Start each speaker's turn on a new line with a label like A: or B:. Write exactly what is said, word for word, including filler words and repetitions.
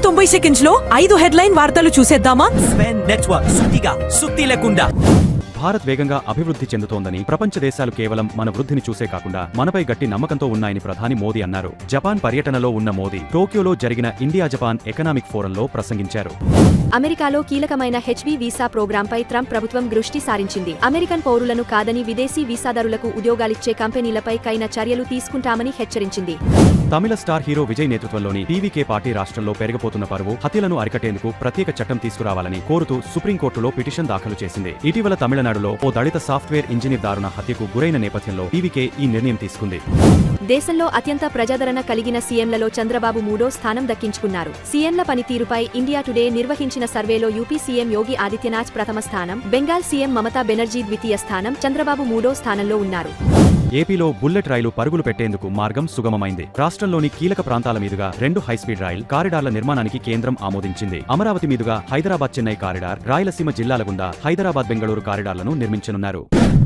A: తొంభై సెకండ్స్ లో ఐదు హెడ్లైన్ వార్తలు చూసేద్దామా?
B: స్పెన్ నెట్వర్క్ సుత్తిగా సుత్తి లేకుండా.
C: భారత్ వేగంగా అభివృద్ధి చెందుతోందని, ప్రపంచ దేశాలు కేవలం మన వృద్ధిని చూసే కాకుండా మనపై గట్టి నమ్మకంతో ఉన్నాయని ప్రధాని మోదీ అన్నారు. జపాన్ పర్యటనలో ఉన్న మోదీ టోక్యోలో జరిగిన ఇండియా జపాన్ ఎకనామిక్ ఫోరంలో ప్రసంగించారు.
D: అమెరికాలో కీలకమైన హెచ్ వన్ బి వీసా ప్రోగ్రాంపై ట్రంప్ ప్రభుత్వం దృష్టి సారించింది. అమెరికన్ పౌరులను కాదని విదేశీ వీసాదారులకు ఉద్యోగాలిచ్చే కంపెనీలపై కైన చర్యలు తీసుకుంటామని హెచ్చరించింది.
C: తమిళ స్టార్ హీరో విజయ్ నేతృత్వంలోని టీవీకే పార్టీ రాష్ట్రంలో పెరిగిపోతున్న పరువు, హత్యలను అరికట్టేందుకు ప్రత్యేక చట్టం తీసుకురావాలని కోరుతూ సుప్రీంకోర్టులో పిటిషన్ దాఖలు చేసింది. ఇటీవల తమిళనాడులో ఓ దళిత సాఫ్ట్వేర్ ఇంజనీర్ దారుణ హత్యకు గురైన నేపథ్యంలో టీవీకే ఈ నిర్ణయం తీసుకుంది.
D: దేశంలో అత్యంత ప్రజాదరణ కలిగిన సీఎంలలో చంద్రబాబు మూడో స్థానం దక్కించుకున్నారు. సీఎంల పనితీరుపై ఇండియా టుడే నిర్వహించిన సర్వేలో యూపీ సీఎం యోగి ఆదిత్యనాథ్ ప్రథమ స్థానం, బెంగాల్ సీఎం మమతా బెనర్జీ ద్వితీయ స్థానం, చంద్రబాబు మూడో స్థానంలో ఉన్నారు.
C: ఏపీలో బుల్లెట్ రైలు పరుగులు పెట్టేందుకు మార్గం సుగమమైంది. రాష్ట్రంలోని కీలక ప్రాంతాల మీదుగా రెండు హైస్పీడ్ రైల్ కారిడార్ల నిర్మాణానికి కేంద్రం ఆమోదించింది. అమరావతి మీదుగా హైదరాబాద్ చెన్నై కారిడార్, రాయలసీమ జిల్లాల గుండా హైదరాబాద్ బెంగళూరు కారిడార్లను నిర్మించనున్నారు.